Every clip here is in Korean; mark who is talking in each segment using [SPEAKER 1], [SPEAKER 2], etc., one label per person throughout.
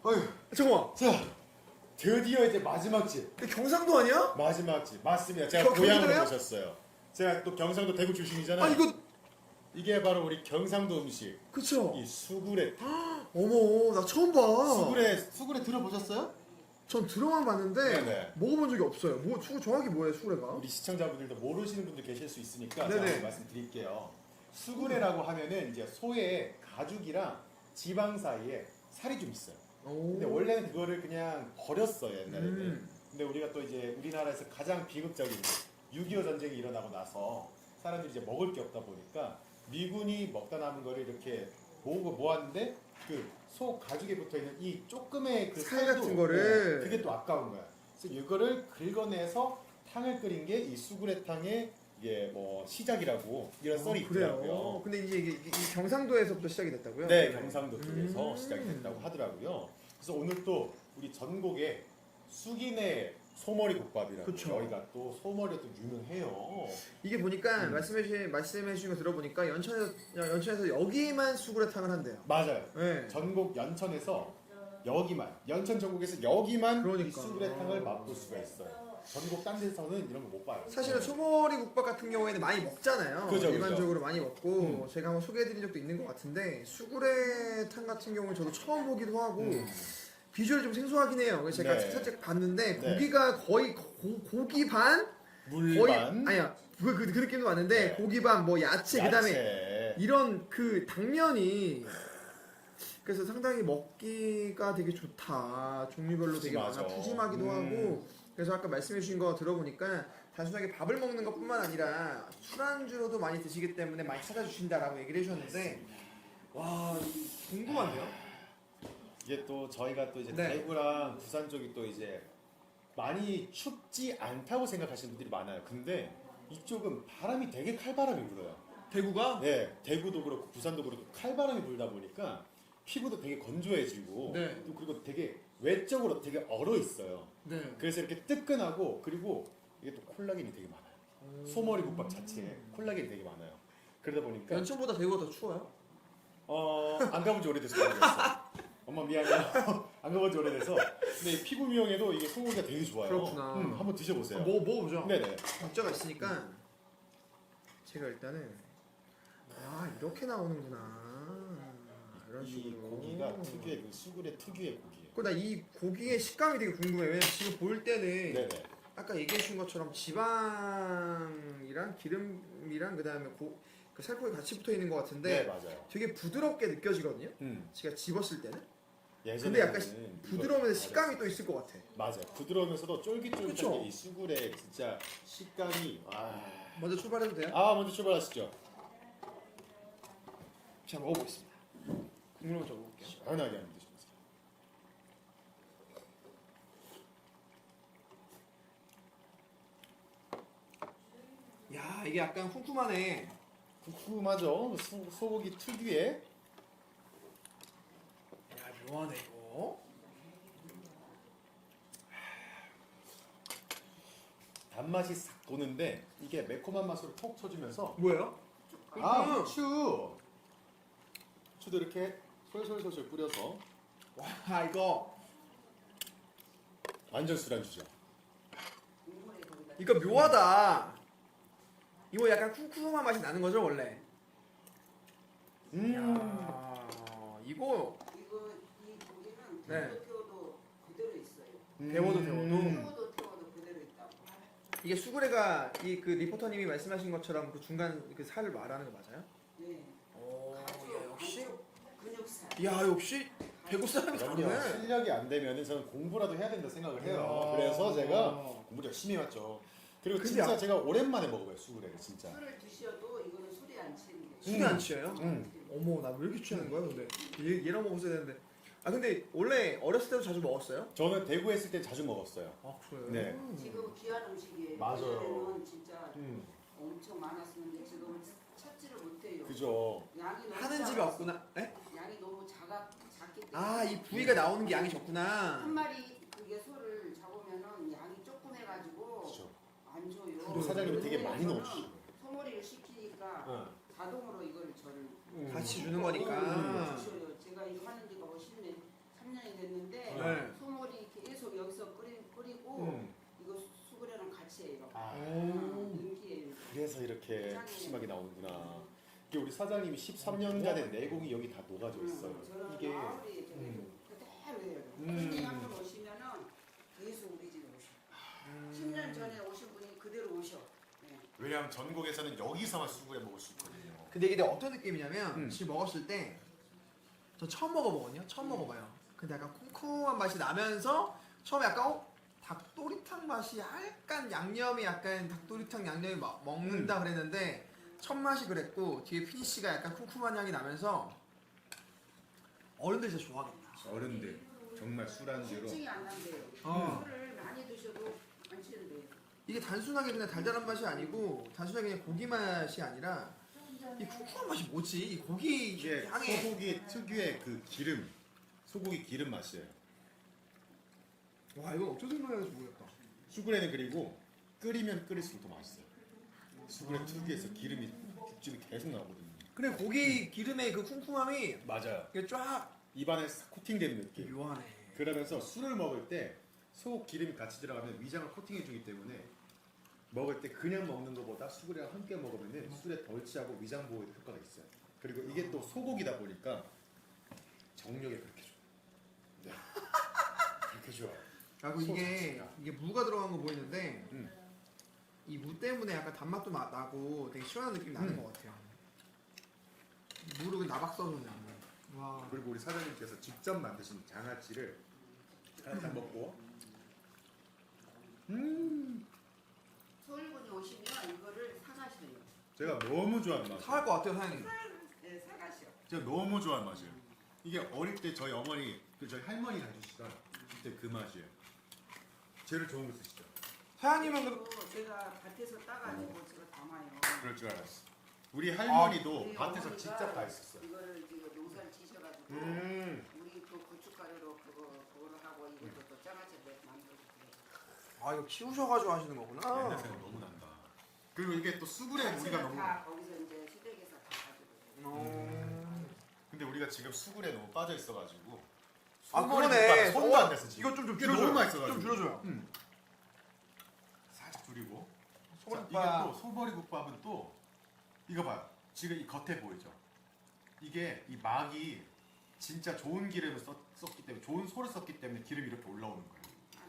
[SPEAKER 1] 어휴,
[SPEAKER 2] 잠깐만.
[SPEAKER 1] 자, 드디어 이제 마지막 집.
[SPEAKER 2] 이게 경상도 아니야?
[SPEAKER 1] 마지막 집. 맞습니다. 제가 고향으로
[SPEAKER 2] 경기도야?
[SPEAKER 1] 모셨어요. 제가 또 경상도 대구 출신이잖아요.
[SPEAKER 2] 아 이거
[SPEAKER 1] 이게 바로 우리 경상도 음식.
[SPEAKER 2] 그쵸?
[SPEAKER 1] 이 수구레.
[SPEAKER 2] 어머 나 처음 봐.
[SPEAKER 1] 수구레 들어보셨어요?
[SPEAKER 2] 전 들어만 봤는데
[SPEAKER 1] 네네.
[SPEAKER 2] 먹어본 적이 없어요. 뭐 정확히 뭐예요 수구레가?
[SPEAKER 1] 우리 시청자분들도 모르시는 분들 계실 수 있으니까
[SPEAKER 2] 네네.
[SPEAKER 1] 제가 말씀드릴게요. 수구레라고 하면은 이제 소의 가죽이랑 지방 사이에 살이 좀 있어요. 근데 원래는 그거를 그냥 버렸어요 옛날에는. 근데 우리가 또 이제 우리나라에서 가장 비극적인 6.25 전쟁이 일어나고 나서 사람들이 이제 먹을 게 없다 보니까 미군이 먹다 남은 거를 이렇게 모았는데 그 소 가죽에 붙어 있는 이 조금의 그
[SPEAKER 2] 살
[SPEAKER 1] 살도,
[SPEAKER 2] 같은 거를.
[SPEAKER 1] 네, 그게 또 아까운 거야. 그래서 이거를 긁어내서 탕을 끓인 게 이 수구레탕의 이게 뭐 시작이라고 이런 썰이
[SPEAKER 2] 그래요.
[SPEAKER 1] 있더라고요.
[SPEAKER 2] 근데 이제 이게 이 경상도에서부터 시작이 됐다고요?
[SPEAKER 1] 네, 경상도 쪽에서 시작이 됐다고 하더라고요. 그래서 오늘 또 우리 전국에 숙인의 소머리 국밥이라고
[SPEAKER 2] 그쵸.
[SPEAKER 1] 저희가 또 소머리가 또 유명해요.
[SPEAKER 2] 이게 보니까 말씀해주신 거 들어보니까 연천에서 여기만 수구레탕을 한대요.
[SPEAKER 1] 맞아요.
[SPEAKER 2] 네.
[SPEAKER 1] 전국 연천에서 여기만 연천 전국에서 여기만
[SPEAKER 2] 그러니까.
[SPEAKER 1] 이 수구레탕을 맛볼 수가 있어요. 전국 딴 데서는 이런 거 못 봐요.
[SPEAKER 2] 사실은 소머리 국밥 같은 경우에는 많이 먹잖아요.
[SPEAKER 1] 그죠,
[SPEAKER 2] 일반적으로 많이 먹고 제가 한번 소개해드린 적도 있는 것 같은데 수구레탕 같은 경우는 저도 처음 보기도 하고 비주얼이 좀 생소하긴 해요. 그래서 제가
[SPEAKER 1] 네.
[SPEAKER 2] 살짝 봤는데
[SPEAKER 1] 네.
[SPEAKER 2] 고기가 거의 고기 반
[SPEAKER 1] 물
[SPEAKER 2] 거의
[SPEAKER 1] 반,
[SPEAKER 2] 아니야 그 느낌도 왔는데
[SPEAKER 1] 네.
[SPEAKER 2] 고기 반 뭐 야채 그다음에
[SPEAKER 1] 야채.
[SPEAKER 2] 이런 그 당면이 그래서 상당히 먹기가 되게 좋다. 종류별로 되게
[SPEAKER 1] 푸짐하죠.
[SPEAKER 2] 많아. 푸짐하기도 하고. 그래서 아까 말씀해주신 거 들어보니까 단순하게 밥을 먹는 것뿐만 아니라 술안주로도 많이 드시기 때문에 많이 찾아주신다라고 얘기를 해주셨는데 와 궁금한데요?
[SPEAKER 1] 이게 또 저희가 또 이제
[SPEAKER 2] 네.
[SPEAKER 1] 대구랑 부산 쪽이 또 이제 많이 춥지 않다고 생각하시는 분들이 많아요. 근데 이쪽은 바람이 되게 칼바람이 불어요.
[SPEAKER 2] 대구가?
[SPEAKER 1] 네, 대구도 그렇고 부산도 그렇고 칼바람이 불다 보니까 피부도 되게 건조해지고
[SPEAKER 2] 네.
[SPEAKER 1] 또 그리고 되게 외적으로 되게 얼어 있어요.
[SPEAKER 2] 네.
[SPEAKER 1] 그래서 이렇게 뜨끈하고 그리고 이게 또 콜라겐이 되게 많아요. 소머리 국밥 자체에 콜라겐이 되게 많아요. 그러다 보니까
[SPEAKER 2] 연천보다 대구가 더 추워요?
[SPEAKER 1] 안 가본 지 오래돼서 모르겠어. 엄마 미안해요. 안 가본 지 오래돼서. 근데 피부 미용에도 이게 소고기가 되게 좋아요.
[SPEAKER 2] 그렇구나.
[SPEAKER 1] 한번 드셔보세요.
[SPEAKER 2] 먹어보죠.
[SPEAKER 1] 네네.
[SPEAKER 2] 문자가 있으니까 제가 일단은 이렇게 나오는구나. 이런
[SPEAKER 1] 이
[SPEAKER 2] 식으로.
[SPEAKER 1] 고기가 특유의 그 수구레 특유의 고기예요.
[SPEAKER 2] 나 이 고기의 식감이 되게 궁금해요. 왜냐면 지금 볼 때는
[SPEAKER 1] 네네.
[SPEAKER 2] 아까 얘기해 주신 것처럼 지방이랑 기름이랑 그다음에 그 살코기 같이 붙어 있는 것 같은데
[SPEAKER 1] 네 맞아요.
[SPEAKER 2] 되게 부드럽게 느껴지거든요. 제가 집었을 때는. 근데 약간 부드러우면서 식감이 또 있을 것 같아.
[SPEAKER 1] 맞아요. 부드러우면서도 쫄깃쫄깃한
[SPEAKER 2] 그쵸?
[SPEAKER 1] 게 이 수구레 진짜 식감이
[SPEAKER 2] 먼저 출발해도 돼요?
[SPEAKER 1] 먼저 출발하시죠.
[SPEAKER 2] 제가 먹어보겠습니다. 국물 먼저 먹어볼게요.
[SPEAKER 1] 시원하게 한번 드셔보세요.
[SPEAKER 2] 야 이게 약간 쿰쿰하네.
[SPEAKER 1] 궁금하죠? 소고기 특유의
[SPEAKER 2] 야 묘하네 이거.
[SPEAKER 1] 단맛이 싹 도는데 이게 매콤한 맛으로 톡 쳐주면서
[SPEAKER 2] 뭐예요?
[SPEAKER 1] 후추! 후추도 이렇게 솔솔솔솔 뿌려서
[SPEAKER 2] 와 이거
[SPEAKER 1] 완전 술안주죠.
[SPEAKER 2] 이거 묘하다. 이거 약간 쿰쿰한 맛이 나는 거죠 원래? 야 이거
[SPEAKER 3] 이 고기는
[SPEAKER 2] 네.
[SPEAKER 3] 태워도 그대로 있어요.
[SPEAKER 2] 데워도
[SPEAKER 3] 태워도 그대로 있다고.
[SPEAKER 2] 이게 수구레가 이 그 리포터님이 말씀하신 것처럼 그 중간 그 살을 말하는 거 맞아요?
[SPEAKER 3] 네.
[SPEAKER 2] 오, 야, 역시.
[SPEAKER 3] 근육살.
[SPEAKER 2] 야 역시 대구 사람이
[SPEAKER 1] 그럼요.
[SPEAKER 2] 다르네.
[SPEAKER 1] 실력이 안 되면 저는 공부라도 해야 된다 생각을 해요.
[SPEAKER 2] 야.
[SPEAKER 1] 그래서 제가 공부를 열심히 해왔죠. 그리고
[SPEAKER 2] 근데
[SPEAKER 1] 진짜 제가 오랜만에 먹어봐요, 수구레를 진짜.
[SPEAKER 3] 술을 드셔도 이거는 술이 안 치는 게.
[SPEAKER 2] 술이 안 취해요?
[SPEAKER 1] 음.
[SPEAKER 2] 어머 나 왜 이렇게 취하는 거야 근데 얘랑 먹었어야 되는데. 근데 원래 어렸을 때도 자주 먹었어요?
[SPEAKER 1] 저는 대구에 있을 때 자주 먹었어요.
[SPEAKER 2] 그래요?
[SPEAKER 1] 네.
[SPEAKER 3] 지금 귀한 음식이에요.
[SPEAKER 1] 맞아요.
[SPEAKER 3] 예전에는 진짜
[SPEAKER 1] 음.
[SPEAKER 3] 엄청 많았었는데 지금은 찾지를 못해요.
[SPEAKER 1] 그죠.
[SPEAKER 3] 양이 너무
[SPEAKER 2] 하는 집이
[SPEAKER 3] 작아서.
[SPEAKER 2] 없구나. 에?
[SPEAKER 3] 양이 너무 작기 때문에.
[SPEAKER 2] 이 부위가 나오는 게 양이 적구나.
[SPEAKER 3] 한 마리 그게 소를 잡으면은 양이 조금 해가지고
[SPEAKER 1] 그죠.
[SPEAKER 3] 안 줘요.
[SPEAKER 1] 또 사장님이 되게 많이
[SPEAKER 3] 저는
[SPEAKER 1] 넣어주시고.
[SPEAKER 3] 소머리를 시키니까
[SPEAKER 1] 응.
[SPEAKER 3] 자동으로 이걸 저를
[SPEAKER 2] 같이 주는 거니까.
[SPEAKER 3] 주셔요. 제가 이거 하는 지가 3년이 됐는데
[SPEAKER 1] 이렇게
[SPEAKER 3] 굉장히-
[SPEAKER 1] 푸짐하게 나오는구나. 이게 우리 사장님이 13년간의 내공이 여기 다 녹아져 있어요.
[SPEAKER 3] 저는
[SPEAKER 1] 이게
[SPEAKER 3] 마을이 그대로예요. 손님 한 번 오시면은 계속 우리 집에 오셔. 10년 전에 오신 분이 그대로 오셔. 네.
[SPEAKER 1] 왜냐하면 전국에서는 여기서만 수구레 먹을 수 있거든요.
[SPEAKER 2] 근데 이게 어떤 느낌이냐면
[SPEAKER 1] 음.
[SPEAKER 2] 지금 먹었을 때 저 처음 먹어보거든요. 처음 먹어봐요. 근데 약간 쿰쿰한 맛이 나면서 처음에 약간 닭도리탕 맛이 약간 양념이 약간 닭도리탕 양념이 먹는다 그랬는데 첫 맛이 그랬고 뒤에 피니쉬가 약간 쿰쿰한 향이 나면서 어른들 진짜 좋아하겠다.
[SPEAKER 1] 어른들 정말 술안주로
[SPEAKER 3] 실증이 안 난대요.
[SPEAKER 2] 어.
[SPEAKER 3] 술을 많이 드셔도 안 취는데요.
[SPEAKER 2] 이게 단순하게 그냥 달달한 맛이 아니고 단순하게 그냥 고기 맛이 아니라 이 쿰쿰한 맛이 뭐지? 이 고기
[SPEAKER 1] 이게
[SPEAKER 2] 향에
[SPEAKER 1] 소고기 특유의 그 기름, 소고기 기름 맛이에요.
[SPEAKER 2] 와 이건 어쩌 생각해야지 모르겠다.
[SPEAKER 1] 수구레는 그리고 끓이면 끓일수록 더 맛있어요. 수구레 특유에서 기름이 육즙이 계속 나오거든요.
[SPEAKER 2] 근데 고기 기름의 그 쿰쿰함이
[SPEAKER 1] 맞아요.
[SPEAKER 2] 이게 쫙
[SPEAKER 1] 입안에 싹 코팅되는 느낌.
[SPEAKER 2] 묘하네.
[SPEAKER 1] 그러면서 술을 먹을 때 소 기름이 같이 들어가면 위장을 코팅해 주기 때문에 먹을 때 그냥 먹는 것보다 수구레랑 함께 먹으면 술에 덜 취하고 위장 보호에 효과가 있어요. 그리고 이게 또 소고기다 보니까 정력에 그렇게 좋아요. 네. 그렇게 좋아요.
[SPEAKER 2] 그리고 이게 무가 들어간 거 보이는데 이 무 때문에 약간 단맛도 나고 되게 시원한 느낌이 나는 것 같아요. 무를 그냥 나박 써서 그냥. 와.
[SPEAKER 1] 그리고 우리 사장님께서 직접 만드신 장아찌를 하나 딱 먹고
[SPEAKER 3] 서울분이 오시면 이거를 사가셔요.
[SPEAKER 1] 제가 너무 좋아하는 맛이에요.
[SPEAKER 2] 사갈 것 같아요, 사장님.
[SPEAKER 3] 네, 사가셔.
[SPEAKER 1] 제가 너무 좋아하는 맛이에요. 이게 어릴 때 저희 어머니, 저희 할머니가 해주시던 그때 그 맛이에요. 제일 좋은 거 쓰시죠?
[SPEAKER 2] 사장님은
[SPEAKER 3] 그리고 제가 밭에서 따가지고 제가 담아요.
[SPEAKER 1] 그럴 줄 알았어. 우리 할머니도
[SPEAKER 3] 우리
[SPEAKER 1] 밭에서
[SPEAKER 3] 어머니가
[SPEAKER 1] 직접 다 했었어요.
[SPEAKER 3] 이거를 지금 농사를 지셔가지고 우리 그 고춧가루로 그거를 하고 이것도 또 짜가지고 만들었어요.
[SPEAKER 2] 아 이거 키우셔가지고 하시는 거구나.
[SPEAKER 1] 옛날 생각 너무 난다. 그리고 이게 또 수구레 우리가 너무
[SPEAKER 3] 다 거기서 이제 시댁에서 다 가지고.
[SPEAKER 1] 근데 우리가 지금 수구레 너무 빠져 있어가지고
[SPEAKER 2] 아
[SPEAKER 1] 소머리
[SPEAKER 2] 그러네.
[SPEAKER 1] 국밥 손도 안 댔어 지금.
[SPEAKER 2] 이거 좀
[SPEAKER 1] 이게
[SPEAKER 2] 줄여줘요.
[SPEAKER 1] 너무 맛있어가지고.
[SPEAKER 2] 좀 줄여줘요.
[SPEAKER 1] 살짝 줄이고. 자,
[SPEAKER 2] 소머리국밥.
[SPEAKER 1] 이게 또 소머리국밥은 또 이거 봐요. 지금 이 겉에 보이죠? 이게 이 막이 진짜 좋은 기름을 썼기 때문에 좋은 소를 썼기 때문에 기름이 이렇게 올라오는 거예요.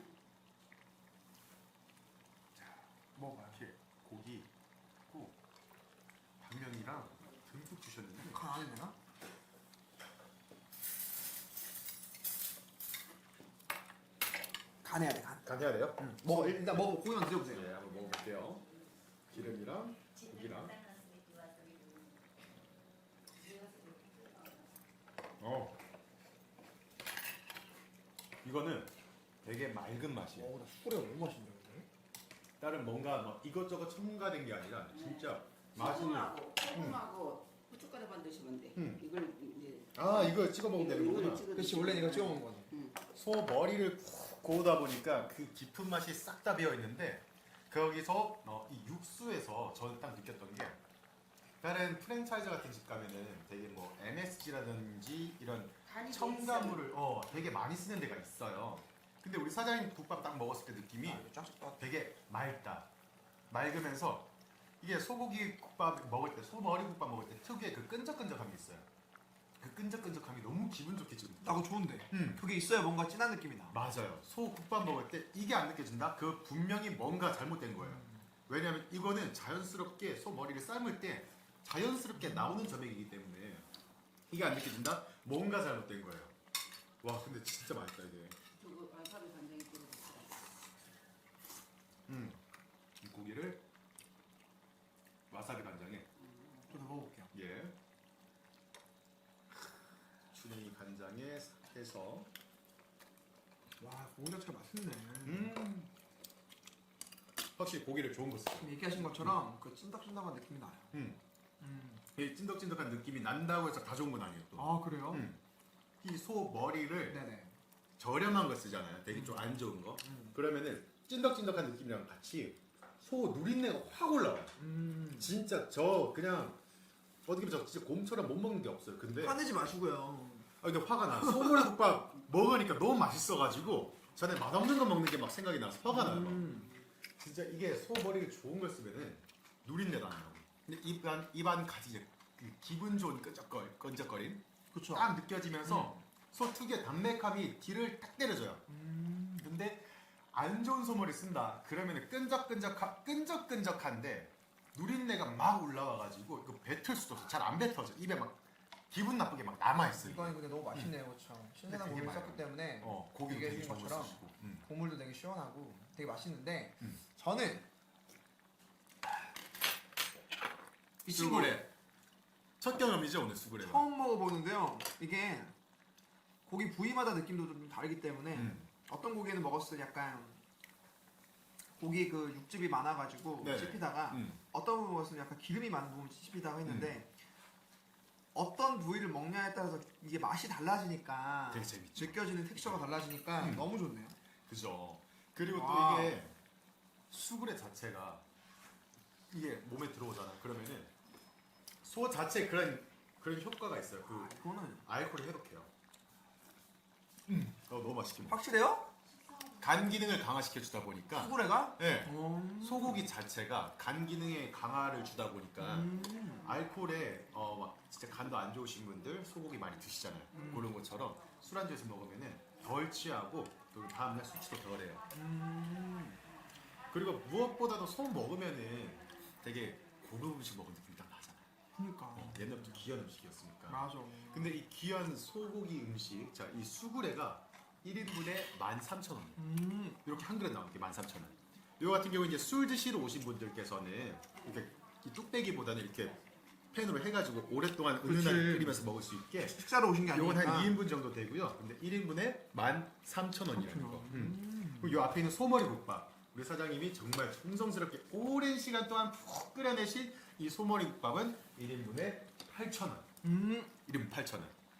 [SPEAKER 1] 자,
[SPEAKER 2] 먹어요.
[SPEAKER 1] 이렇게 고기 있고 당면이랑 듬뿍 주셨는데
[SPEAKER 2] 간 안에 되나? 간 해야 돼, 간.
[SPEAKER 1] 간 해야 돼요?
[SPEAKER 2] 먹어, 일단 먹어, 고기만 드셔보세요.
[SPEAKER 1] 네, 한번 먹어볼게요. 기름이랑 고기랑. 이거는 되게 맑은 맛이에요.
[SPEAKER 2] 나 수구레가 너무 맛있네. 근데.
[SPEAKER 1] 다른 뭔가 막 이것저것 첨가된 게 아니라 진짜 맛있는.
[SPEAKER 3] 소금하고 고춧가루만 드시면 돼. 이걸 이제
[SPEAKER 1] 아 이거 찍어 먹으면 되는 거구나.
[SPEAKER 2] 그렇지, 원래 이거 찍어 먹는 거지.
[SPEAKER 1] 소 머리를 쿡 고우다 보니까 그 깊은 맛이 싹 다 배어 있는데 거기서 이 육수에서 저는 딱 느꼈던 게 다른 프랜차이즈 같은 집 가면은 되게 뭐 MSG라든지 이런
[SPEAKER 3] 간이
[SPEAKER 1] 첨가물을 되게 많이 쓰는 데가 있어요. 근데 우리 사장님 국밥 딱 먹었을 때 느낌이
[SPEAKER 2] 쫙쫙
[SPEAKER 1] 되게 맑다. 맑으면서 이게 소고기 국밥 먹을 때, 소머리 국밥 먹을 때 특유의 그 끈적끈적함이 있어요. 그 끈적끈적함이 너무 기분 좋게 지금.
[SPEAKER 2] 나 그거 좋은데. 그게 있어야 뭔가 진한 느낌이 나.
[SPEAKER 1] 맞아요. 소 국밥 먹을 때 이게 안 느껴진다? 그 분명히 뭔가 잘못된 거예요. 왜냐하면 이거는 자연스럽게 소 머리를 삶을 때 자연스럽게 나오는 점액이기 때문에 이게 안 느껴진다? 뭔가 잘못된 거예요. 와 근데 진짜 맛있다 이게.
[SPEAKER 3] 저거 와사비 간장이 들어갔어요.
[SPEAKER 1] 이 고기를 와사비 간장에
[SPEAKER 2] 저도 먹어볼게요.
[SPEAKER 1] 예. 춘향이 간장에 해서
[SPEAKER 2] 와, 고기 자체가 맛있네.
[SPEAKER 1] 확실히 고기를 좋은 거 쓰죠.
[SPEAKER 2] 지금 얘기하신 것처럼 그 찐득찐득한 느낌이 나요.
[SPEAKER 1] 이 찐득찐득한 느낌이 난다고 해서 다 좋은 건 아니에요 또.
[SPEAKER 2] 아, 그래요?
[SPEAKER 1] 이 소 머리를
[SPEAKER 2] 네네.
[SPEAKER 1] 저렴한 거 쓰잖아요. 되게 좀 안 좋은 거. 그러면은 찐득찐득한 느낌이랑 같이 소 누린내가 확 올라와요. 진짜 저 그냥 어떻게 보면 저 진짜 곰처럼 못 먹는 게 없어요. 근데
[SPEAKER 2] 화내지 마시고요.
[SPEAKER 1] 근데 화가 나. 소머리 국밥 먹으니까 너무 맛있어가지고 전에 맛없는 거 먹는 게 막 생각이 나서 화가 나요. 막. 진짜 이게 소 머리를 좋은 걸 쓰면은 누린내도 안 나고 근데 입안 가지 이제 그 기분 좋은 끈적거림
[SPEAKER 2] 그쵸.
[SPEAKER 1] 딱 느껴지면서 소 특유의 담백함이 뒤를 딱 때려줘요. 근데 안 좋은 소머리 쓴다 그러면 끈적끈적한데 누린내가 막 올라와가지고 이거 뱉을 수도 없어. 잘 안 뱉어져. 입에 막 기분 나쁘게 막 남아있어.
[SPEAKER 2] 이거는 근데 너무 맛있네요, 그렇죠. 신선한
[SPEAKER 1] 되게
[SPEAKER 2] 고기를
[SPEAKER 1] 많아요.
[SPEAKER 2] 썼기 때문에
[SPEAKER 1] 고기도
[SPEAKER 2] 이게
[SPEAKER 1] 되게
[SPEAKER 2] 해준
[SPEAKER 1] 좋은 거
[SPEAKER 2] 것처럼
[SPEAKER 1] 쓰시고.
[SPEAKER 2] 국물도 되게 시원하고 되게 맛있는데
[SPEAKER 1] 음.
[SPEAKER 2] 저는 이
[SPEAKER 1] 수구레 첫 경험이죠 오늘 수구레가.
[SPEAKER 2] 처음 먹어보는데요. 이게 고기 부위마다 느낌도 좀 다르기 때문에 어떤 고기는 먹었을 때 약간 고기 그 육즙이 많아가지고
[SPEAKER 1] 네.
[SPEAKER 2] 씹히다가 어떤 부분 먹었을 때 약간 기름이 많은 부분 씹히다가 했는데 어떤 부위를 먹냐에 따라서 이게 맛이 달라지니까
[SPEAKER 1] 되게 재밌죠.
[SPEAKER 2] 느껴지는 텍스처가 달라지니까 너무 좋네요.
[SPEAKER 1] 그죠. 그리고
[SPEAKER 2] 와.
[SPEAKER 1] 또 이게 수구레 자체가 이게 몸에 들어오잖아. 그러면은 소 자체 그런 효과가 있어요. 그
[SPEAKER 2] 이거는
[SPEAKER 1] 알코올을 해독해요. 너무 맛있게 먹어.
[SPEAKER 2] 확실해요?
[SPEAKER 1] 간 기능을 강화시켜 주다 보니까
[SPEAKER 2] 수구레가?
[SPEAKER 1] 네. 소고기 자체가 간 기능에 강화를 주다 보니까 알코올에 막 진짜 간도 안 좋으신 분들 소고기 많이 드시잖아요. 그런 것처럼 술안주에서 먹으면은 덜 취하고 또 다음날 수치도 덜해요. 그리고 무엇보다도 소 먹으면은 되게 고급 음식 먹은 느낌이 딱 나잖아요.
[SPEAKER 2] 그니까
[SPEAKER 1] 옛날부터 귀한 음식이었으니까.
[SPEAKER 2] 맞아.
[SPEAKER 1] 근데 이 귀한 소고기 음식, 자, 이 수구레가 1인분에 13,000원. 이렇게 한 그릇 나오게 13,000원. 이거 같은 경우 이제 술 드시러 오신 분들께서는 이렇게 이 뚝배기보다는 이렇게 팬으로 해가지고 오랫동안 은은하게
[SPEAKER 2] 그치.
[SPEAKER 1] 끓이면서 먹을 수 있게.
[SPEAKER 2] 식사로 오신 게
[SPEAKER 1] 요건
[SPEAKER 2] 아니니까
[SPEAKER 1] 한 2인분 정도 되고요. 근데 1인분에 13,000원이라는 거. 그리고 요 앞에 있는 소머리 국밥. 우리 사장님이 정말 정성스럽게 오랜 시간 동안 푹 끓여내신 이 소머리 국밥은 1인분에 8,000원. 1인분 8,000원.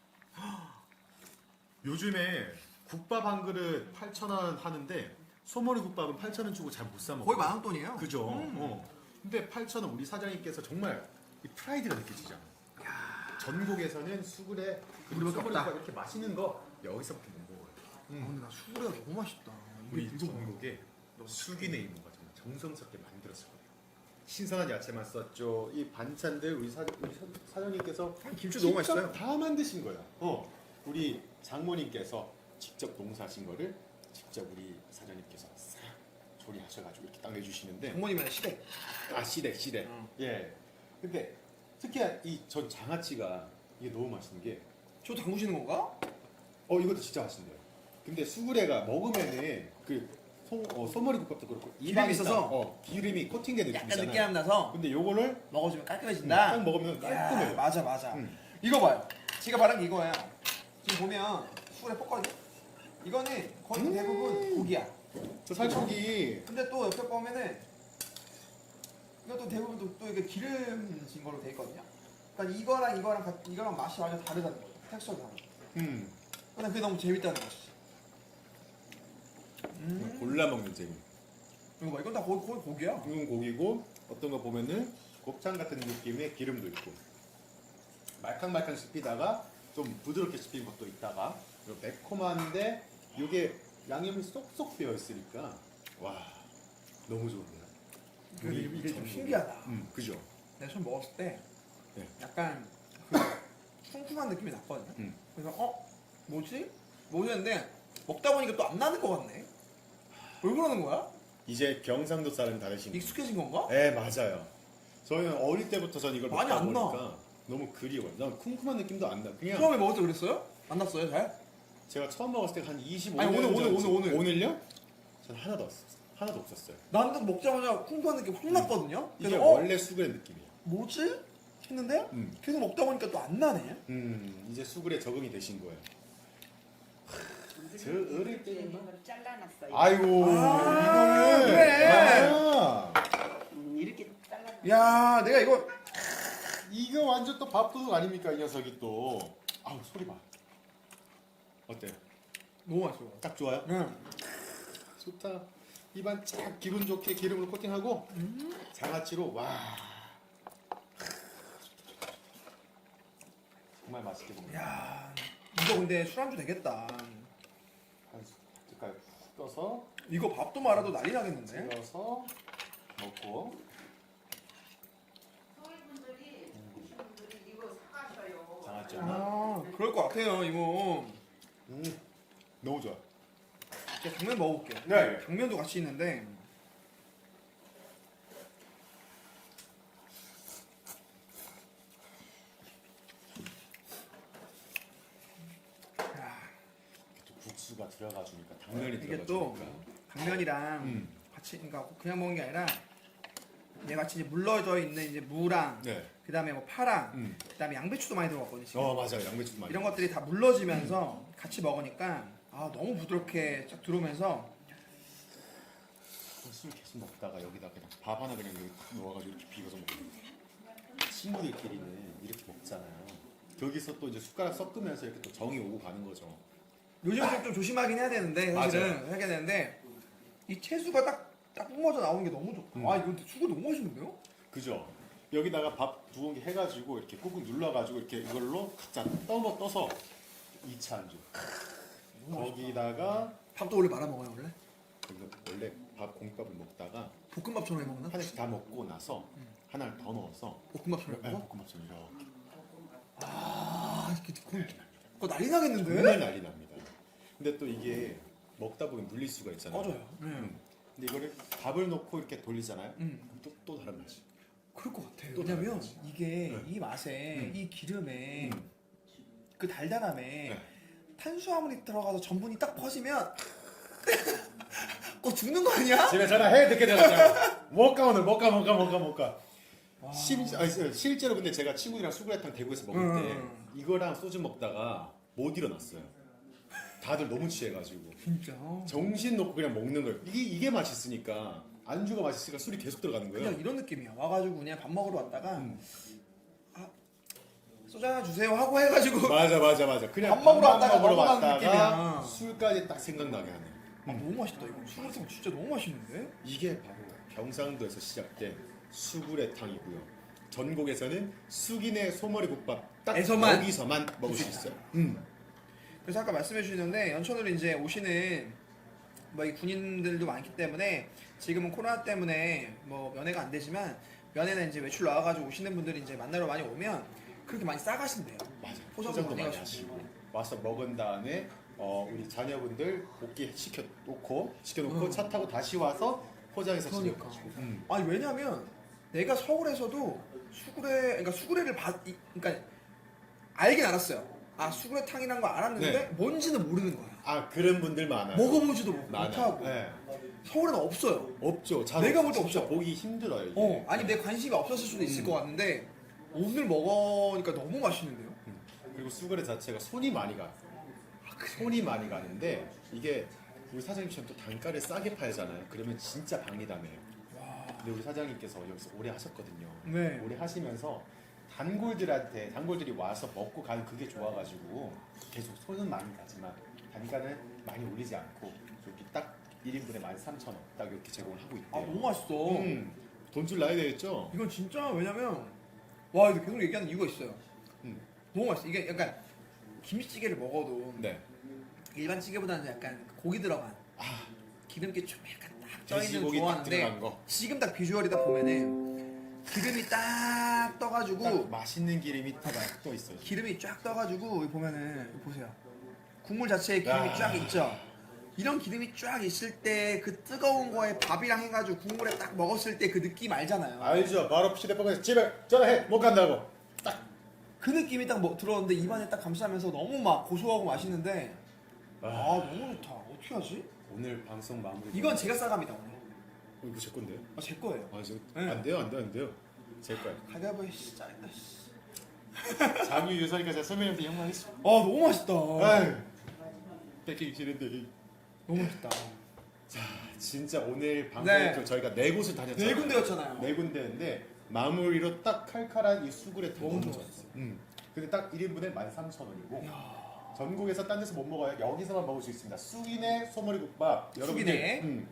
[SPEAKER 1] 요즘에 국밥 한 그릇 8,000원 하는데 소머리 국밥은 8,000원 주고 잘 못 사 먹어요.
[SPEAKER 2] 거의 만원 돈이에요.
[SPEAKER 1] 그죠? 근데 8,000원 우리 사장님께서 정말 이 프라이드가 느껴지잖아요. 전국에서는 수구레 그리고
[SPEAKER 2] 우리밖에
[SPEAKER 1] 소머리
[SPEAKER 2] 없다.
[SPEAKER 1] 국밥 이렇게 맛있는 거 여기서밖에 못 먹어요.
[SPEAKER 2] 근데 나 수구레가 너무 맛있다.
[SPEAKER 1] 우리
[SPEAKER 2] 이게 누구
[SPEAKER 1] 전국에 수기네 이모가 정말 정성스럽게 만들었을 거예요. 신선한 야채만 썼죠. 이 반찬들 우리 사장님께서
[SPEAKER 2] 김치 너무
[SPEAKER 1] 직접
[SPEAKER 2] 맛있어요.
[SPEAKER 1] 다 만드신 거예요. 우리 장모님께서 직접 농사하신 거를 직접 우리 사장님께서 싹 조리하셔가지고 이렇게 딱 내주시는데
[SPEAKER 2] 장모님의 시댁.
[SPEAKER 1] 시댁. 예. 근데 특히 이 전 장아찌가 이게 너무 맛있는 게
[SPEAKER 2] 저 담그시는 건가?
[SPEAKER 1] 이것도 진짜 맛있는데요. 근데 수구레가 먹으면은 그 소머리 국밥도 그렇고
[SPEAKER 2] 기름이 있어서?
[SPEAKER 1] 기름이 코팅된
[SPEAKER 2] 약간
[SPEAKER 1] 느낌이잖아요.
[SPEAKER 2] 느끼함 나서
[SPEAKER 1] 근데 요거를
[SPEAKER 2] 먹어주면
[SPEAKER 1] 딱
[SPEAKER 2] 깔끔해진다.
[SPEAKER 1] 먹으면 깔끔해요.
[SPEAKER 2] 야, 맞아 맞아.
[SPEAKER 1] 음.
[SPEAKER 2] 이거 봐요. 제가 말한 게 이거야. 지금 보면 수구레 볶거든요. 이거는 거의 대부분 고기야.
[SPEAKER 1] 저 살코기
[SPEAKER 2] 근데 또 옆에 보면은 이것도 대부분 또 이게 기름진 걸로 돼 있거든요. 그러니까 이거랑 맛이 완전 다르다는 거죠. 텍스처가 다르고.
[SPEAKER 1] 음.
[SPEAKER 2] 근데 그게 너무 재밌다는 것이지.
[SPEAKER 1] 골라 먹는 재미.
[SPEAKER 2] 이거 봐, 이건 다 거의 고기야.
[SPEAKER 1] 이건 고기고 어떤 거 보면은 곱창 같은 느낌의 기름도 있고 말캉말캉 씹히다가 좀 부드럽게 씹힌 것도 있다가 그리고 매콤한데 이게 양념이 쏙쏙 배어 있으니까 와 너무 좋은데요.
[SPEAKER 2] 근데 이게 좀
[SPEAKER 1] 전국에.
[SPEAKER 2] 신기하다.
[SPEAKER 1] 그죠.
[SPEAKER 2] 내가 처음 먹었을 때
[SPEAKER 1] 네.
[SPEAKER 2] 약간 그 쿰쿰한 느낌이 났거든요. 그래서 뭐지? 했는데 먹다 보니까 또 안 나는 것 같네. 왜 그러는 거야?
[SPEAKER 1] 이제 경상도 사람이 다르신
[SPEAKER 2] 익숙해진 건가?
[SPEAKER 1] 네 맞아요. 저희는 어릴 때부터 전 이걸
[SPEAKER 2] 많이
[SPEAKER 1] 먹다
[SPEAKER 2] 안 나.
[SPEAKER 1] 보니까 너무 그리워요. 난 쿰쿰한 느낌도 안 나. 그냥
[SPEAKER 2] 처음에 먹을 때 그랬어요? 안 났어요, 잘?
[SPEAKER 1] 제가 처음 먹었을 때 한 25년
[SPEAKER 2] 아니, 오늘.
[SPEAKER 1] 오늘요? 전 하나도 없었어요.
[SPEAKER 2] 나는 먹자마자 쿰쿰한 느낌 확 났거든요.
[SPEAKER 1] 이게
[SPEAKER 2] 그래서
[SPEAKER 1] 원래 수그레 느낌이에요.
[SPEAKER 2] 뭐지? 했는데
[SPEAKER 1] 음.
[SPEAKER 2] 계속 먹다 보니까 또 안 나네.
[SPEAKER 1] 이제 수그레 적응이 되신 거예요. 저 어릴 때는
[SPEAKER 3] 이걸 잘라놨어요.
[SPEAKER 1] 아이고 이거는
[SPEAKER 2] 그래.
[SPEAKER 1] 아,
[SPEAKER 3] 이렇게 잘라놨어요.
[SPEAKER 2] 야, 내가
[SPEAKER 1] 이거 완전 또 밥도둑 아닙니까 이 녀석이 또. 아우 소리 봐. 어때요?
[SPEAKER 2] 너무 맛있어.
[SPEAKER 1] 딱 좋아요?
[SPEAKER 2] 응.
[SPEAKER 1] 좋다. 입안 쫙 기분 좋게 기름으로 코팅하고 장아찌로 와 정말 맛있게 먹네.
[SPEAKER 2] 야, 이거 근데 술안주 되겠다.
[SPEAKER 1] 한 숟갈 훅 떠서
[SPEAKER 2] 이거 밥도 말아도 난리 나겠는데?
[SPEAKER 1] 찍어서 먹고 같지 않아?
[SPEAKER 2] 그럴 것 같아요 이모.
[SPEAKER 1] 너무 좋아.
[SPEAKER 2] 제가 당면 먹어볼게요.
[SPEAKER 1] 네.
[SPEAKER 2] 당면도 같이 있는데.
[SPEAKER 1] 또 국수가 들어가 주니까 당면이
[SPEAKER 2] 이게
[SPEAKER 1] 들어가
[SPEAKER 2] 또
[SPEAKER 1] 주니까.
[SPEAKER 2] 당면이랑 같이 그러니까 그냥 먹는 게 아니라 얘 같이 이제 물러져 있는 이제 무랑
[SPEAKER 1] 네.
[SPEAKER 2] 그다음에 뭐 파랑 그다음에 양배추도 많이 들어갔거든요. 지금.
[SPEAKER 1] 맞아요. 양배추도 많이.
[SPEAKER 2] 이런 것들이 다 물러지면서 같이 먹으니까 너무 부드럽게 쫙 들어오면서
[SPEAKER 1] 술 계속 먹다가 여기다 그냥 밥 하나 그냥 여기 탁 넣어가지고 이렇게 비벼서 먹거든요. 친구들끼리는 이렇게 먹잖아요. 거기서 또 이제 숟가락 섞으면서 이렇게 또 정이 오고 가는 거죠.
[SPEAKER 2] 요즘 좀 조심하긴 해야 되는데 사실은
[SPEAKER 1] 맞아요.
[SPEAKER 2] 해야 되는데 이 채수가 딱 뿜어져 나오는 게 너무 좋다. 이거 근데 수고 너무 맛있는데요?
[SPEAKER 1] 그죠? 여기다가 밥 두 공기 해가지고 이렇게 꾹꾹 눌러가지고 이렇게 이걸로 각자 떠서 2차 안주. 거기다가
[SPEAKER 2] 밥도 원래 말아 먹어요 원래?
[SPEAKER 1] 이거 원래 밥 공밥을 먹다가
[SPEAKER 2] 볶음밥처럼 해 먹나?
[SPEAKER 1] 하나씩 다 먹고 나서 하나를 더 넣어서
[SPEAKER 2] 볶음밥처럼 해 먹어?
[SPEAKER 1] 볶음밥처럼 이렇게
[SPEAKER 2] 그거 난리 나겠는데?
[SPEAKER 1] 정말 난리 납니다. 근데 또 이게 먹다 보면 물릴 수가 있잖아요.
[SPEAKER 2] 맞아요.
[SPEAKER 1] 근데 이거를 밥을 넣고 이렇게 돌리잖아요. 그럼 또 다른 맛이.
[SPEAKER 2] 그럴 것 같아요.
[SPEAKER 1] 또
[SPEAKER 2] 왜냐면
[SPEAKER 1] 다른 맛이.
[SPEAKER 2] 이게 이 맛에 이 기름에 그 달달함에
[SPEAKER 1] 네.
[SPEAKER 2] 탄수화물이 들어가서 전분이 딱 퍼지면 죽는 거 아니야?
[SPEAKER 1] 집에 전화해 듣게 되잖아요. 못 가 오늘 못 가. 실제로 근데 제가 친구들이랑 수구레탕 대구에서 먹을 때 이거랑 소주 먹다가 못 일어났어요. 다들 너무 취해가지고
[SPEAKER 2] 진짜.
[SPEAKER 1] 정신 놓고 그냥 먹는 거예요. 이게 맛있으니까 안주가 맛있으니까 술이 계속 들어가는 거예요.
[SPEAKER 2] 그냥 이런 느낌이야. 와가지고 그냥 밥 먹으러 왔다가 소주 하나 주세요 하고 해가지고
[SPEAKER 1] 맞아. 그냥
[SPEAKER 2] 밥 먹으러 왔다가
[SPEAKER 1] 먹으러
[SPEAKER 2] 넘어가는
[SPEAKER 1] 왔다가
[SPEAKER 2] 느낌이야.
[SPEAKER 1] 술까지 딱 생각나게 하네.
[SPEAKER 2] 너무 맛있다 이거. 수구레탕 진짜 너무 맛있는데?
[SPEAKER 1] 이게 바로 경상도에서 시작된 수구레탕이고요. 전국에서는 숙인의 소머리국밥 딱
[SPEAKER 2] 에서만.
[SPEAKER 1] 여기서만 먹을 수 있어요.
[SPEAKER 2] 그래서 아까 말씀해 주셨는데 연천으로 이제 오시는 뭐 이 군인들도 많기 때문에 지금은 코로나 때문에 뭐 면회가 안 되지만 면회는 이제 외출 나와가지고 오시는 분들이 이제 만나러 많이 오면 그렇게 많이 싸가신대요.
[SPEAKER 1] 맞아.
[SPEAKER 2] 포장도
[SPEAKER 1] 포장도
[SPEAKER 2] 많이
[SPEAKER 1] 많이 하시고 와서 먹은 다음에 우리 자녀분들 복귀 시켜놓고 차 타고 다시 와서 포장해서 집에
[SPEAKER 2] 그러니까.
[SPEAKER 1] 가지고.
[SPEAKER 2] 아니 왜냐면 내가 서울에서도 그러니까 수구레를 그러니까 알긴 알았어요. 수구레탕이란 거 알았는데
[SPEAKER 1] 네.
[SPEAKER 2] 뭔지는 모르는 거야.
[SPEAKER 1] 그런 분들 많아요.
[SPEAKER 2] 먹어보지도
[SPEAKER 1] 많아요.
[SPEAKER 2] 못하고
[SPEAKER 1] 네.
[SPEAKER 2] 서울에는 없어요.
[SPEAKER 1] 없죠.
[SPEAKER 2] 내가 볼 때
[SPEAKER 1] 진짜
[SPEAKER 2] 없어.
[SPEAKER 1] 보기 힘들어요. 이게.
[SPEAKER 2] 아니 내 관심이 없었을 수도 있을 것 같은데 오늘 먹으니까 너무 맛있는데요.
[SPEAKER 1] 그리고 수그레 자체가 손이 많이 가요. 손이 많이 가는데 이게 우리 사장님처럼 또 단가를 싸게 팔잖아요. 그러면 진짜 방이담해요. 근데 우리 사장님께서 여기서 오래 하셨거든요.
[SPEAKER 2] 네.
[SPEAKER 1] 오래 하시면서 단골들이 와서 먹고 가는 그게 좋아가지고 계속 손은 많이 가지만 단가는 많이 올리지 않고 여기 딱 1인분에 13,000원 딱 이렇게 제공을 하고 있대요.
[SPEAKER 2] 너무 맛있어.
[SPEAKER 1] 돈줄 나야 되겠죠?
[SPEAKER 2] 이건 진짜 왜냐면 와 이거 계속 얘기하는 이유가 있어요.
[SPEAKER 1] 음.
[SPEAKER 2] 너무 맛있어. 이게 약간 김치찌개를 먹어도
[SPEAKER 1] 네.
[SPEAKER 2] 일반 찌개보다는 약간 고기 들어간 기름기 좀 약간 딱 쪄있는
[SPEAKER 1] 돼지고기 딱
[SPEAKER 2] 좋아하는데
[SPEAKER 1] 들어간 거.
[SPEAKER 2] 지금 딱 비주얼이다 보면은 기름이 딱 떠가지고
[SPEAKER 1] 딱 맛있는 기름이 딱 떠 있어요.
[SPEAKER 2] 기름이 쫙 떠가지고 여기 보면은 여기 보세요. 국물 자체에 기름이
[SPEAKER 1] 야.
[SPEAKER 2] 쫙 있죠. 이런 기름이 쫙 있을 때 그 뜨거운 거에 밥이랑 해가지고 국물에 딱 먹었을 때 그 느낌 알잖아요.
[SPEAKER 1] 알죠. 바로 휴대폰에서 집에 전화해 못 간다고. 딱.
[SPEAKER 2] 그 느낌이 딱 들어오는데 입안에 딱 감싸면서 너무 막 고소하고 맛있는데 너무 좋다. 어떻게 하지?
[SPEAKER 1] 오늘 방송 마무리.
[SPEAKER 2] 이건 제가 싸갑니다 오늘.
[SPEAKER 1] 이거 제 건데요?
[SPEAKER 2] 제 거예요.
[SPEAKER 1] 네. 안 돼요. 제 거야.
[SPEAKER 2] 가위바위보 짜린다.
[SPEAKER 1] 장유 유서니까 제가 선배님한테 영광했어.
[SPEAKER 2] 너무 맛있다.
[SPEAKER 1] 아유, 뺏기기 싫은데.
[SPEAKER 2] 너무 맛있다.
[SPEAKER 1] 진짜 오늘 방송
[SPEAKER 2] 네.
[SPEAKER 1] 저희가 4곳을 다녔잖아요.
[SPEAKER 2] 4군데였잖아요.
[SPEAKER 1] 4군데인데 마무리로 딱 칼칼한 이 수구레탕
[SPEAKER 2] 너무
[SPEAKER 1] 너무
[SPEAKER 2] 좋았어요.
[SPEAKER 1] 좋았어요. 근데 딱 1인분에 13,000원이고 전국에서 딴 데서 못 먹어요. 여기서만 먹을 수 있습니다. 숙인의 소머리국밥.
[SPEAKER 2] 숙인의?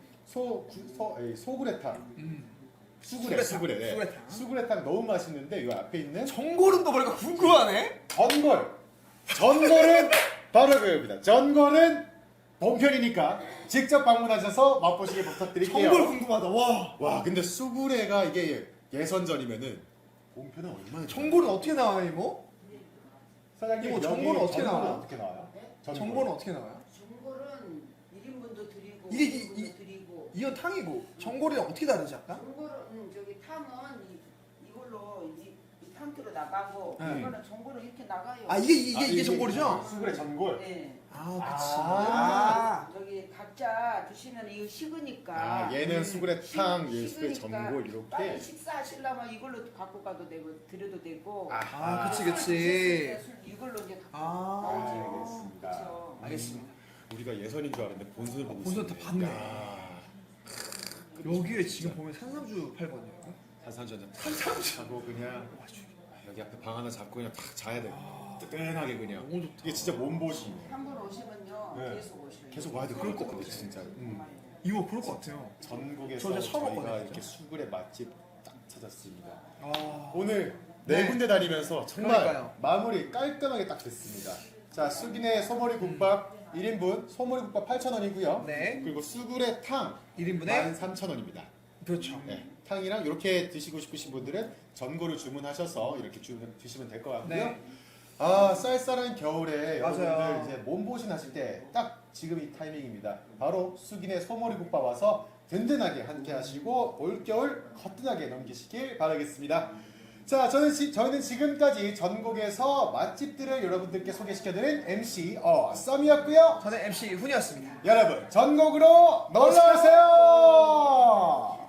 [SPEAKER 1] 소구레탕.
[SPEAKER 2] 수구레탕.
[SPEAKER 1] 수구레탕. 수구레탕 너무 맛있는데 이 앞에 있는
[SPEAKER 2] 전골은 보니까 궁금하네.
[SPEAKER 1] 전골은 바로 그겁니다. 전골은 본편이니까 직접 방문하셔서 맛보시길 부탁드릴게요.
[SPEAKER 2] 전골 궁금하다.
[SPEAKER 1] 와 근데 수구레가 이게 예선전이면은 본편은 얼마나
[SPEAKER 2] 전골은 어떻게 나와요 이모?
[SPEAKER 1] 사장님
[SPEAKER 2] 이거
[SPEAKER 1] 여기
[SPEAKER 2] 전골은 어떻게
[SPEAKER 1] 전골은
[SPEAKER 2] 나와요?
[SPEAKER 1] 어떻게 나와요?
[SPEAKER 2] 전골은 어떻게 나와요?
[SPEAKER 3] 전골은 1인분도 드리고
[SPEAKER 2] 이게
[SPEAKER 3] 2인분도 드리고
[SPEAKER 2] 이건 탕이고 전골이랑 어떻게 다르지 아까?
[SPEAKER 3] 전골은 저기 탕은 이걸로 이 탕으로 나가고
[SPEAKER 2] 네.
[SPEAKER 3] 이거는 전골은 이렇게 나가요.
[SPEAKER 2] 아 이게 전골이죠?
[SPEAKER 1] 수그레 전골.
[SPEAKER 3] 네.
[SPEAKER 2] 아 그치.
[SPEAKER 1] 아.
[SPEAKER 3] 저기 각자 드시면 이거 식으니까
[SPEAKER 1] 아, 얘는 수그레 탕, 얘는 수그레
[SPEAKER 3] 식으니까
[SPEAKER 1] 전골
[SPEAKER 3] 빨리
[SPEAKER 1] 이렇게.
[SPEAKER 3] 식사하시려면 이걸로 갖고 가도 되고 드려도 되고
[SPEAKER 2] 아 그치
[SPEAKER 3] 술
[SPEAKER 2] 그치.
[SPEAKER 3] 드실 때 술 이걸로 이제 갖고
[SPEAKER 2] 아
[SPEAKER 1] 알겠습니다.
[SPEAKER 3] 그렇죠.
[SPEAKER 2] 알겠습니다.
[SPEAKER 1] 우리가 예선인 줄 알았는데 본선을 보고
[SPEAKER 2] 본선 다
[SPEAKER 1] 있었네.
[SPEAKER 2] 봤네.
[SPEAKER 1] 야.
[SPEAKER 2] 여기에 지금 보면 산삼주 팔거든요.
[SPEAKER 1] 산삼주 하고 그냥 여기 앞에 방 하나 잡고 그냥 탁 자야 돼. 뜨끈하게 그냥.
[SPEAKER 2] 너무 좋다.
[SPEAKER 1] 이게 진짜 몸보신이에요.
[SPEAKER 3] 한 번 오시면요
[SPEAKER 1] 네.
[SPEAKER 3] 계속 오셔요.
[SPEAKER 1] 계속 와야 돼. 그럴 것 같아 진짜.
[SPEAKER 2] 이거 그럴 것 같아요.
[SPEAKER 1] 전국에서
[SPEAKER 2] 저 이제 처음
[SPEAKER 1] 저희가
[SPEAKER 2] 왔거든요.
[SPEAKER 1] 이렇게 수그레 맛집 딱 찾았습니다.
[SPEAKER 2] 아
[SPEAKER 1] 오늘
[SPEAKER 2] 네.
[SPEAKER 1] 네 군데 다니면서 정말
[SPEAKER 2] 그러니까요.
[SPEAKER 1] 마무리 깔끔하게 딱 됐습니다. 자, 수기네 소머리 국밥 1인분 소머리 국밥 8,000원이고요.
[SPEAKER 2] 네.
[SPEAKER 1] 그리고 수구레 탕
[SPEAKER 2] 1인분에
[SPEAKER 1] 13,000원입니다.
[SPEAKER 2] 그렇죠.
[SPEAKER 1] 네. 탕이랑 이렇게 드시고 싶으신 분들은 전골을 주문하셔서 이렇게 드시면 될 것 같고요.
[SPEAKER 2] 네.
[SPEAKER 1] 아, 쌀쌀한 겨울에
[SPEAKER 2] 맞아요.
[SPEAKER 1] 여러분들 이제 몸보신 하실 때 딱 지금 이 타이밍입니다. 바로 수기네 소머리 국밥 와서 든든하게 함께 하시고 올겨울 거뜬하게 넘기시길 바라겠습니다. 자, 저희는 지금까지 전국에서 맛집들을 여러분들께 소개시켜드린 MC 썸이었고요.
[SPEAKER 2] 저는 MC 훈이었습니다.
[SPEAKER 1] 여러분, 전국으로 놀러오세요!